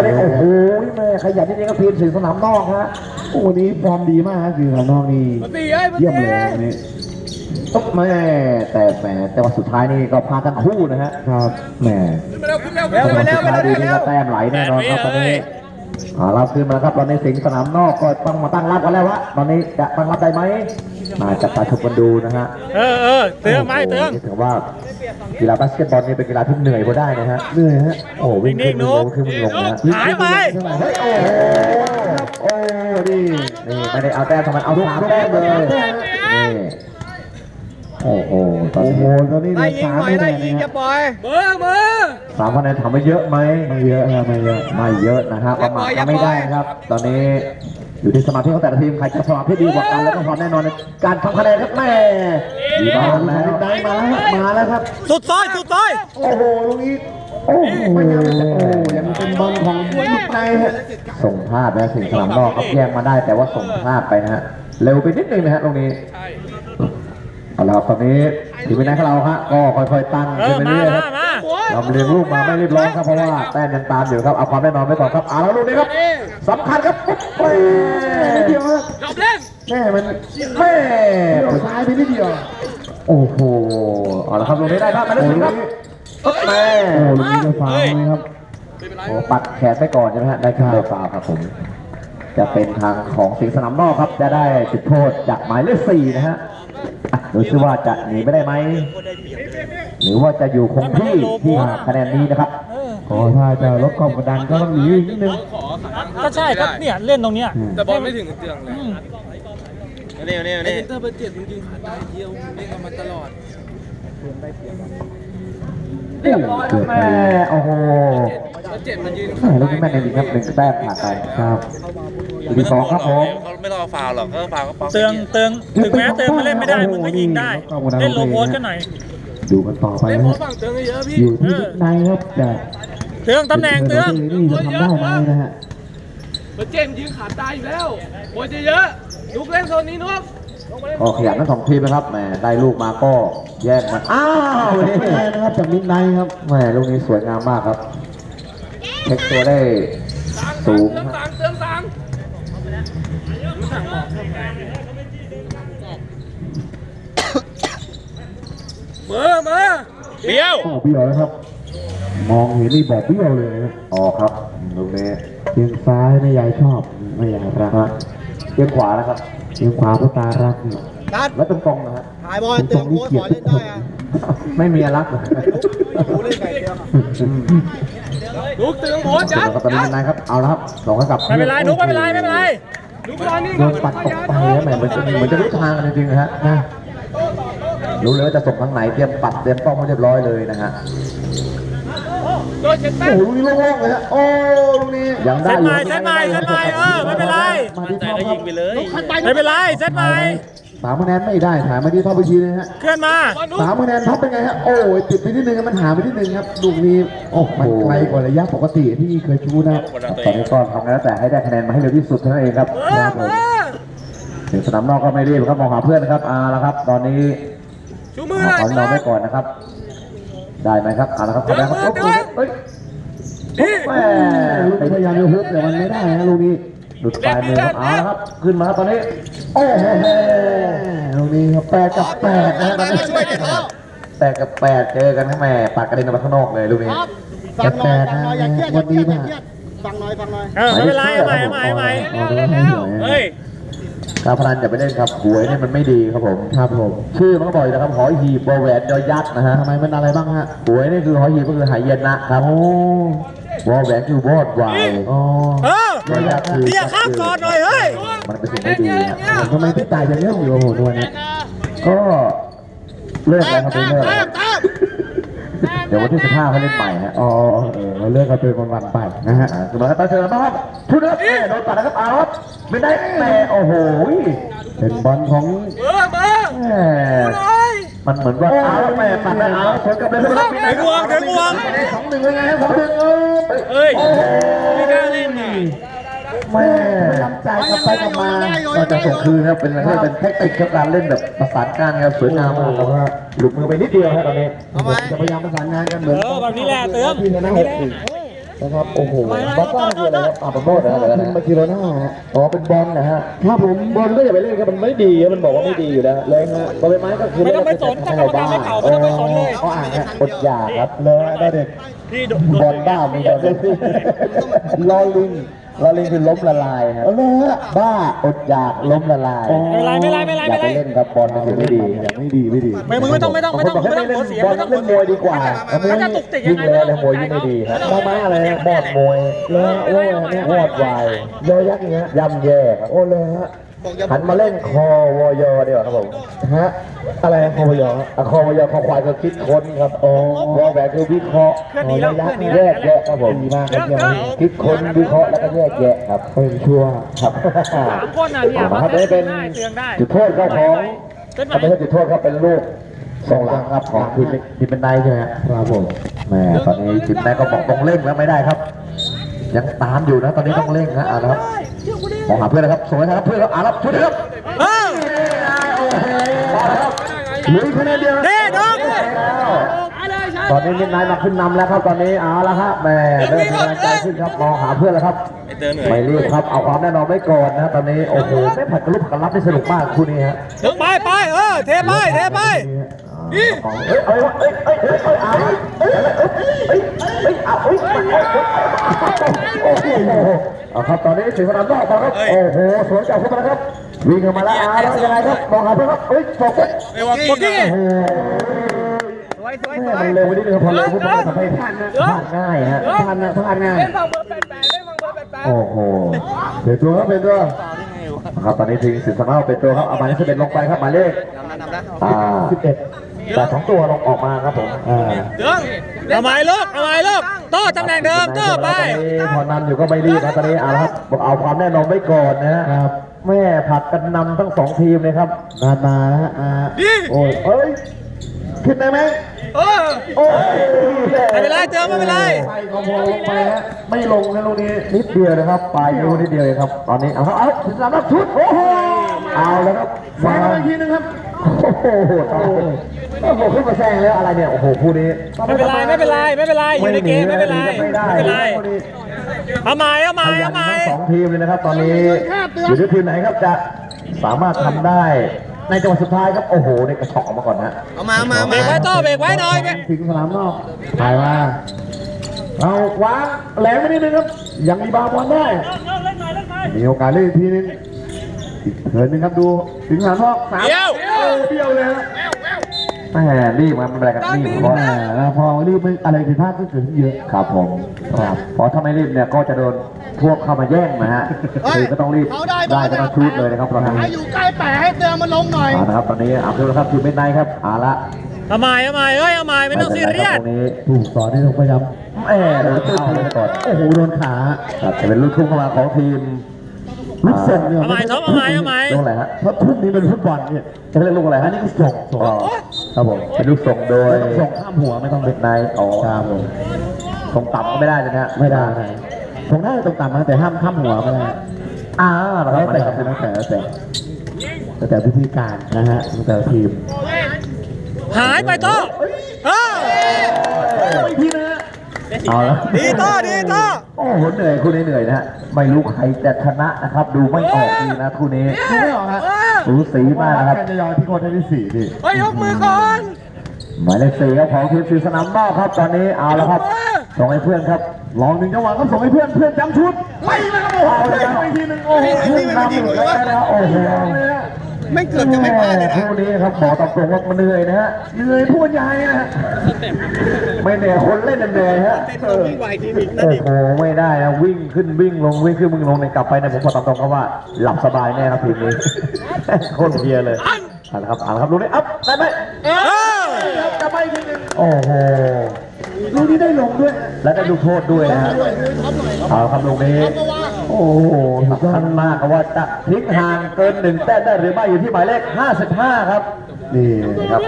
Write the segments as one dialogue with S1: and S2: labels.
S1: นี้โอ้โหแม่ขยันจริงๆครับทีมสิงห์สนามนอกฮะโอ้นี้ฟอร์มดีมากฮะสิงห์สนามนอกนี่เยี่ยมเลยวันนี้ตุ๊บแม่แต่ว่าสุดท้ายนี่ก็พาทั้งคู่นะฮะครับแม่สุดท้ายดีนี่ก็แต้มไหลแน่นอนครับตอนนี้เราขึ้นมาครับตอนนี้สิงห์สนามนอกก็ต้องมาตั้งรับกันแล้ววะตอนนี้จะตั้งรับได้ไหมมาจับตาชมกันดูนะฮะ
S2: เตืองไหมเตือง
S1: ถือว่ากีฬาบาสเกตบอลนี่เป็นกีฬาที่เหนื่อยพอได้นะฮะเหนื่อยฮะโอ้วิ่งขึ้นลงขึ้นลงนะ
S2: หายไป
S1: โอ้นี่ไม่ได้เอาแต้มทำไมเอา3 แต้มเลยนี่โอ้โหตอนนี้
S3: ได้ยิงหน่อยได้ยิงจะปล่อย
S1: 3 คะแนนทำไม่เยอะไหมไม่เยอะนะไม่เยอะนะฮะประมาทก็ไม่ได้ครับตอนนี้อยู่ที่สมาธิของแต่ละทีมใครจะสมาธิดีกว่ากันแล้วก็ความแน่นอนในการทำคะแนนครับแม่ดีมากแล้วได้มาแล้วครับ
S2: สุดซอย
S1: โอ้โหตรงนี้โอ้โหยังเป็นบอลของลูกในฮะส่งพลาดนะสิงห์สนามนอกเขาแย่งมาได้แต่ว่าส่งพลาดไปนะฮะเร็วไปนิดนึงนะฮะตรงนี้เอาละตอนนี้ทีมวินัยของเราฮะก็ค่อยๆตั้งขึ้นไปเรื่อยๆครับเราเลี้ยงลูกมาไม่รีบร้อนครับเพราะว่าแต้มยังตามอยู่ครับเอาความแน่นอนไว้ก่อนครับเอาแล้วลูกนี้ครับสำคัญครับโอ้ยนิดเดียวครับแม่มันแม่ซ้ายไปนิดเดียวโอ้โหเอาละครับลูกนี้ได้ครับมาแล้วครับแม่ลูกนี้จะฟาวล์ครับโอ้ปัดแขนไปก่อนใช่ไหมฮะได้ครับฟาวล์ครับผมจะเป็นทางของสิงห์สนามนอกครับจะได้จุดโทษจากหมายเลข 4นะฮะดูซิว่าจะหนีไม่ได้ไหมหรือว่าจะอยู่คงที่คะแนนนี้นะครับถ้าจะลดความกดดันก็ต้องหนีอีกนิดนึง
S2: ก็ใช่ครับเนี่ยเล่นตรงเนี้ย
S3: แต่บอลไม่ถึงเตืองเลยนี่ถ้าเป็น7จริงๆขาดได้เดียวเล่นกันมาตลอด
S1: เกือบแม่โอ้โห
S3: 7มันยืน
S1: ลูกนี้แม่ในดีครับ1 แต้มผ่านไปครับที2ครับผม
S3: เขาไม่ต้องฟาวหรอกก็ฟาวก็ป๊อก
S2: เตืองถึงแม้เตืองมาเล่นไม่ได้มึงก็ยิงได้เล่นโลโพสกันหน่อย
S1: ดูกันต่อไปนะอยู่ที่ในครับแต่
S2: เตืองตำแหน่งเตือง
S1: นี่จะทำได้ไหมนะฮะ
S3: เจมยืนขาดตายอยู่แล้วโอ้ยเยอะลูกเล่นโซนนี้นุ๊ก
S1: ก็ขยันทั้ง2 ทีมนะครับแหมได้ลูกมาก็แย่งมันอ้าวนี่นะครับจากมิดไนท์ครับแหมลูกนี้สวยงามมากครับเช็คตัวได้สูง
S3: เติมสั่งมา
S2: เบี้ยว
S1: แล้วครับมองเห็นนี่บอกเบี้ยวเลยนะครับลูกนี้เทียงซ้ายไม่ยายชอบไม่ยายรักนะเทียงขวานะครับเทียงขวาผู้ตารักแล้วตรงๆนะฮะ
S3: ถ่ายบอลเติมโค้ชขอเล่นได้อะ
S1: ไม่มีรักเลย
S3: ดูเล่นไก่เดียวลูกเติมโค้ชจ้ะ
S1: ตอนนี้นายครับเอาละครับส่งให้กับ
S2: ไม่เป็นไรนุ๊กไม่เป็นไร
S1: โดนปัดตกไปแล้วแหมเหมือนจะรู้ทางกันจริงๆนะฮะรู้เลยว่าจะส่งทางไหนเตรียมปัดเตรียมป้องไว้เรียบร้อยเลยนะฮะโอ้ลูกนี้โล่งๆเลยฮะโอ้ลูกนี้ยังได้อยู่
S2: เซตใหม่ไม่เป็นไร
S1: มาที่ท็อปครับ
S2: ไม่เป็นไรเซตใหม่
S1: 3 คะแนนไม่ได้ถ่ายมาที่ท็อปไปทีเลยฮะ
S2: เคลื่อนมา
S1: 3 คะแนนท็อปเป็นไงฮะโอ้ยติดไปนิดนึงมันหาไปนิดนึงครับลูกนี้โอ้มันไกลกว่าระยะปกติที่เคยชูนะตอนนี้ก็ทำแล้วแต่ให้ได้คะแนนมาให้เร็วที่สุดเท่านั้นเองครับถึงสนามนอกก็ไม่รีบครับมองหาเพื่อนนะครับแล้วครับตอนนี้ขอเราไว้ก่อนนะครับได้ไหมครับละครับได้ครับเฮ้ยแม่พยายามจะฮุบแต่มันไม่ได้นะลูกนี้หลุดปลายมือครับครับขึ้นมาครับตอนนี้โอ้โหลูกนี้ครับ8 กับ 8นะตอนนี้8 กับ 8เจอกันแม่ปากกระเด็นออกมาข้างนอกเลยลูกนี้8นะวันนี้นะ
S3: ฟังหน่อย
S2: ไม่เป็นไรใหม่
S1: เฮ้ยการพนันอย่าไปเล่นครับหวยนี่มันไม่ดีครับผมชื่อมันก็บอกนะครับหอหีบวอแหวนยอยักษ์นะฮะทำไมมันอะไรบ้างฮะหวยนี่คือหอหีบก็คือหายเย็นนะครับโอ้วอแหวนคือวอดวาย
S2: ยอยักษ์คือเนี่ยข้ามก่อนหน่อยเฮ้ย
S1: มันเป็นสิ่งไม่ดีทำไมพี่ตายยังเล่นอยู่โอ้โหตัวนี้ก็เลิกแล้วครับเลิกเดี๋ยววันที่15เขาเล่นใหม่ฮะเราเลิกกันเป็นวันไปนะฮะสมมติว่าตาเชิญมาครับชุดนักโดนปัดนะครับครับไม่ได้แม่โอ้โหเป็นบอลของมันเหมือนว่าแม่ปัดได้ชนกับเลยครับ
S2: ถึงวง
S1: 2-1เลยไง2-1
S2: เฮ้ยไม่กล้าเล่นนี่
S1: แม่ตั้งใจกลับไปกลับมาก็จะส่งคืนครับเป็นอะไรเป็นเทคนิคการเล่นแบบประสานงานครับสวยงามมากครับว่าหลุดมือไปนิดเดียวครับตอนนี้จะพยายามประสานงานกันเหมือน
S2: แบบนี้แหละเติม
S1: นะครับโอ้โหบาซ่าคืออะไรครับบอลโบนะเป็นบาร์เซโลน่าอ๋อเป็นบอลนะฮะครับผมบอลก็อย่าไปเล่นครับมันไม่ดีมันบอกว่าไม่ดีอยู่แล้วเลยฮะบอลใบไม้ก็คือ
S2: ไม่ต้องไปสนถ้ากรรมการไม่เป่าไม่ต้องไปสนเลย
S1: เขาอ่านฮะอดอยากครับเลยได้เด็ก
S2: ที่
S1: บอลบ้าไม่ได้ลอลิงคือล้มละลายครับบ้าอดอยากล้มละลาย
S2: ไม่ไร
S1: อย่าไปเล่นครับบอลมันไม่ดีไม่ดี
S2: มึงไม่ต้องหัวเสีย
S1: บอลเล่นมวยดีกว่า
S2: มันจะตุกติกยังไง
S1: ยิ่งแล้วมวยยิ่งไม่ดีครับมอม้าอะไรบอดมวยแล้วโอ้ยวอดวายยอยักษ์อย่างเงี้ยย่ำแย่ครับโอ้เลยฮะหันมาเล่นคอวอยดีกว่าครับผมฮะอะไรคอวอยคอวอยคอควายก็คิดค้นครับอ๋อวอแหวนคือวิเคราะห์แยกแยะครับผมดีมากครับคิดค้นวิเคราะห์แล้วก็แยกแยะครับเป็นชั่วครับ
S2: 3 คนน่ะเนี่ย
S1: ครับนี่เป็น
S2: เตือนได้
S1: จุดโทษครับของไม่ใช่จุดโทษครับเป็นลูกส่งหลังครับของทีมเป็นไนใช่ไหมครับผมแม่ตอนนี้ทีมไนก็บอกต้องเร่งแล้วไม่ได้ครับยังตามอยู่นะตอนนี้ต้องเร่งนะนะครับมองหาเพื่อนนะครับส่งให้ครับเพื่อนครับรับช่วยครับลุยคะแนนเดียวตอนนี้มิดไนท์มาขึ้นนำแล้วครับตอนนี้เอาละครับแม่เริ่มมีกำลังใจขึ้นครับมองหาเพื่อนแล้วครับไม่รีบครับเอาความแน่นอนไว้ก่อนนะตอนนี้โอ้โหไม่ผัดกระลุกกระลับได้สนุกมากคู่นี้ฮะ
S2: ไปเทไป
S1: เอาครับตอนนี้สิงห์สนามนอกมาครับโอ้โหสวนจากขึ้นมาครับวิ่งเข้ามาแล้วแล้วยังไงครับมองหาเพื่อนครับโฟกัสโอ้โหมันเร็วไปนิดนึงครับพอเร็วปุ๊บมันทำให้พลาดง่ายฮะพลาดง่ายโอ้โหเป็นตัวครับครับตอนนี้ทีมสิงห์สนามเป็นตัวครับเอาหมายเลข11ลงไปครับหมายเลข11แต่2ตัวลงออกมาครับผม
S2: เอาไม้ลูกต่อตำแหน่งเดิมต่อไป
S1: พอนำอยู่ก็ไม่รีบนะตอนนี้เอาละครับเอาความแน่นอนไว้ก่อนนะครับแม่ผัดกันนำทั้ง2ทีมเลยครับมานะฮะโอ้ยขึ้นได้ไหมโอ้ย
S2: ไม่เป็นไรเจอไม่เป็นไร
S1: ไปก็พอลงไปฮะไม่ลงนะลูกนี้นิดเดียวนะครับปลายนิ้วนิดเดียวเลยครับตอนนี้เอาสำหรับชุดโอ้โหเอาแล้วครับมาอีกทีนึงครับโอ้โหขึ้นมาแซงแล้วอะไรเนี่ยโอ้โหคู่นี้
S2: ไม่เป็นไรอยู่ในเกมไม่เป็นไรเอาไม้
S1: 2ทีมเลยนะครับตอนนี้อยู่ที่ทีมไหนครับจะสามารถทำได้ในจังหวะสุดท้ายครับโอ้โหในกระชอกออกมาก่อนนะ
S3: เอามา
S2: เบรกไว้ต่อเบรกไว้หน่อย
S1: ถึงสนามนอกถ่ายมาเราวางแหลมไม่นิดนึงครับยังมีบาบอลได้มีโอกาสเล่นทีนึงอีกเถิดนึงครับดูถึงสนามนอก3เบี้ยวเลยแหมรีบมันอะไรกันรีบพอรีบอะไรผิดพลาดก็เกิดขึ้นเยอะครับผมครับเพราะถ้าไม่รีบเนี่ยก็จะโดนพวกเข้ามาแย่งนะฮะคือก็ต้องรีบได้ก็ต้องชูดเลยนะครับตอนนี้
S4: ให้อยู่ใกล้แปะให้เตือนมันลงหน่อย
S1: นะครับตอนนี้เอาดูนะครับทีมเป็นไนครับเอาละ
S2: เอาไม้ไม่ต้องซีเรียส
S1: ตรงนี้ถูกสอนที่ต้องพยายามโดนเข้าเลยก่อนโอ้โหโดนขาจะเป็นลูกทุ่งเข้ามาของทีมลูกส่งเนี่ย
S2: เอาไม้ลูก
S1: อะไรฮะเพราะทุ่งนี้เป็นฟุตบอลเนี่ยจะเรียกลูกอะไรฮะนี่ก็ส่งครับผมเป็นลูกส่งโดยส่งข้ามหัวไม่ต้องเป็นไนครับผมส่งต่ำก็ไม่ได้เลยนะไม่ได้ส่งได้ตรงต่ำนะแต่ห้ามข้ามหัวไม่ได้แล้วแต่พิธีการนะฮะแต่ทีม
S2: หายไปต่อ
S1: อีกทีนะเอาละ
S2: ดีต่อ
S1: โอ้โหเหนื่อยคู่นี้เหนื่อยนะฮะไม่รู้ใครจะชนะนะครับดูไม่ออกดีนะคู่นี้ดูไม่ออกฮะรู้สีมากนะครับจะยอมที่คนที่4ดิ
S2: ยกมือก่อน
S1: หมายเลข4ครับของทีมสีสนามนอกครับตอนนี้เอาแล้วครับส่งให้เพื่อนครับลอง1จังหวะก็ส่งให้เพื่อนจำชุดไล่แล้วครับโอ้โหอีกทีนึงโอ้โหขึ้นนำอยู่แล้วโอ้โห
S4: ไม่เกือบจะไม่พลาดเลยนะ
S1: คู่นี้ครับบอกตามตรงว่ามันเหนื่อยนะฮะเหนื่อยพูดยายนะฮะไม่เหนื่อยคนเล่นเหนื่อยฮะโอ้โหไม่ได้นะวิ่งขึ้นวิ่งลงในกลับไปเนี่ยผมบอกตามตรงครับว่าหลับสบายแน่ครับทีมนี้โคตรเพียเลยเอาละครับลูกนี้อัพได้ไหมจะไปทีนึงโอ้โหลูกนี้ได้ลงด้วยและได้ลูกโทษด้วยนะฮะเอาครับลูกนี้โอ้โหสำคัญมากว่าจะพลิกห่างเกิน1แต้มได้หรือไม่อยู่ที่หมายเลข55ครับนี่ครับ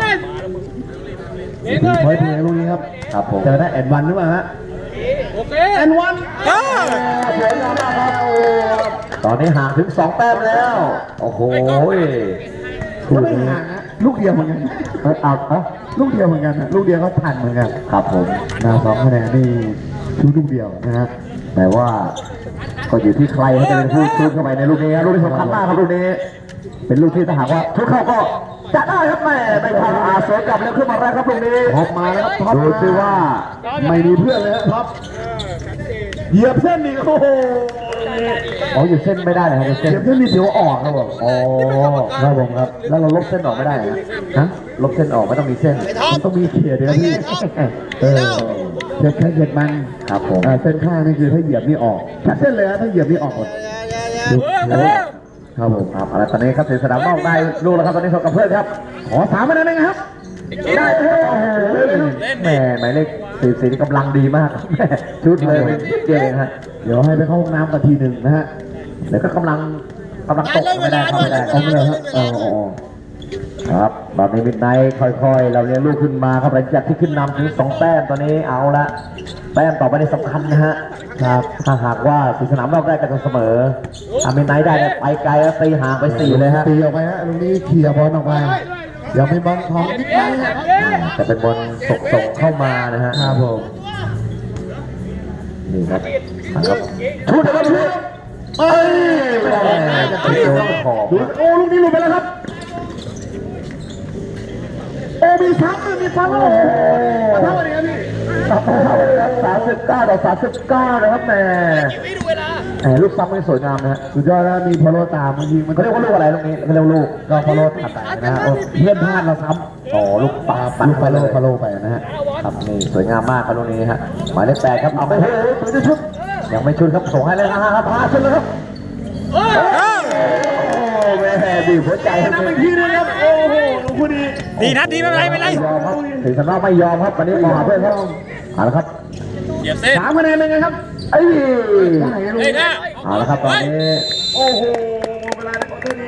S1: พอยต์เพลย์ลูกนี้ครับผมเจอได้แอนวันหรือเปล่าฮะ
S2: โอเค
S1: แอนวันสวยงามมากครับตอนนี้ห่างถึง2แต้มแล้วโอ้โหไม่ห่างลูกเดียวเหมือนกันลูกเดียวเหมือนกันลูกเดียวก็ทันเหมือนกันครับผมนา2คะแนนนี่ชูลูกเดียวนะฮะแต่ว่าก็อยู่ที่ใครเขาจะเป็นผู้ชูเข้าไปในลูกนี้ครับลูกที่สำคัญมากครับลูกนี้ เป็นลูกที่ถ้าหากว่าชุดเข้าก็จะได้ครับแม่ไม่พลาดสวนกลับแล้วขึ้นมาแล้วครับลูกนี้ท็อปมาแล้วครับท็อปดูซิว่าไม่มีเพื่อนเลยครับท็อปเหยียบเส้นนี่โอ้โหอ๋อเหยียบเส้นไม่ได้เลยครับเหยียบเส้นนี่เสียวออกครับผมอ๋อครับผมครับแล้วเราลบเส้นออกไม่ได้นะฮะลบเส้นออกไม่ต้องมีเส้นมันต้องมีเขียเดียวพี่เช็ดแค่เหยียบมันครับผมเส้นข้างนี่คือถ้าเหยียบนี่ออกแค่เส้นเลยนะถ้าเหยียบนี่ออกหมดครับผมครับอะไรตอนนี้ครับถึงสนามนอกได้ลูกแล้วครับตอนนี้ส่งกับเพื่อนครับขอ3คะแนนนะครับได้แม่หมายเลข44นี่กำลังดีมากแม่ชุดเลยเก่งฮะเดี๋ยวให้ไปเข้าห้องน้ำกันทีหนึ่งนะฮะเดี๋ยวก็กำลังตกไม่ได้เข้าไม่ได้เอาเลยฮะครับตอนนี้มิดไนท์ค่อยๆเราเลี้ยงลูกขึ้นมาครับหลังจากที่ขึ้นนำถึง2 แต้มตอนนี้เอาละแต้มต่อไปในสำคัญนะฮะครับถ้าหากว่าสนามนอกได้กันเสมอถ้ามิดไนท์ได้ไปไกลแล้วตีห่างไป4เลยฮะตีออกไปฮะตรงนี้เคลียร์บอลออกไปอย่าไปบอลของมิดไนท์แต่เป็นบอลส่งเข้ามานะฮะครับผมนี่ครับชุดนะครับชุดเอ้ยไม่ได้โดนขอบโอ้ลูกนี้หลุดไปแล้วครับโอ้มีซ้ำมีซ้ำโอ้เท่าไหร่ครับพี่39 ต่อ 39นะครับแม่ลูกซ้ำมันสวยงามนะฮะสุดยอดแล้วมีพอโลตามมันยิงมันเขาเรียกว่าลูกอะไรลูกนี้เขาเรียกลูกก็พอโลตัดไปนะฮะเพื่อนพลาดเราซ้ำอ๋อลูกปาลูกพอโลไปนะฮะครับนี่สวยงามมากครับลูกนี้ฮะหมายเลข8ครับเอาไปเฮ้ยตัวชุดยังไม่ชุดครับส่งให้เลยนะครับพาชุดเลยครับโอ้แม่ดีหัวใจครับอีกทีนึงครับโอ้โหลูกนี้
S2: ดีนัดดีไม่เป็นไรไม่เป็นไร
S1: ยอมครับถึงสนามไม่ยอมครับวันนี้มองหาเพื่อนครับเอาละครับ
S3: เหยียบเส้น
S1: 3 คะแนนเป็นไงครับเอ้ย
S3: เฮ้ยนะ
S1: เอาละครับตอนนี้โอ้โห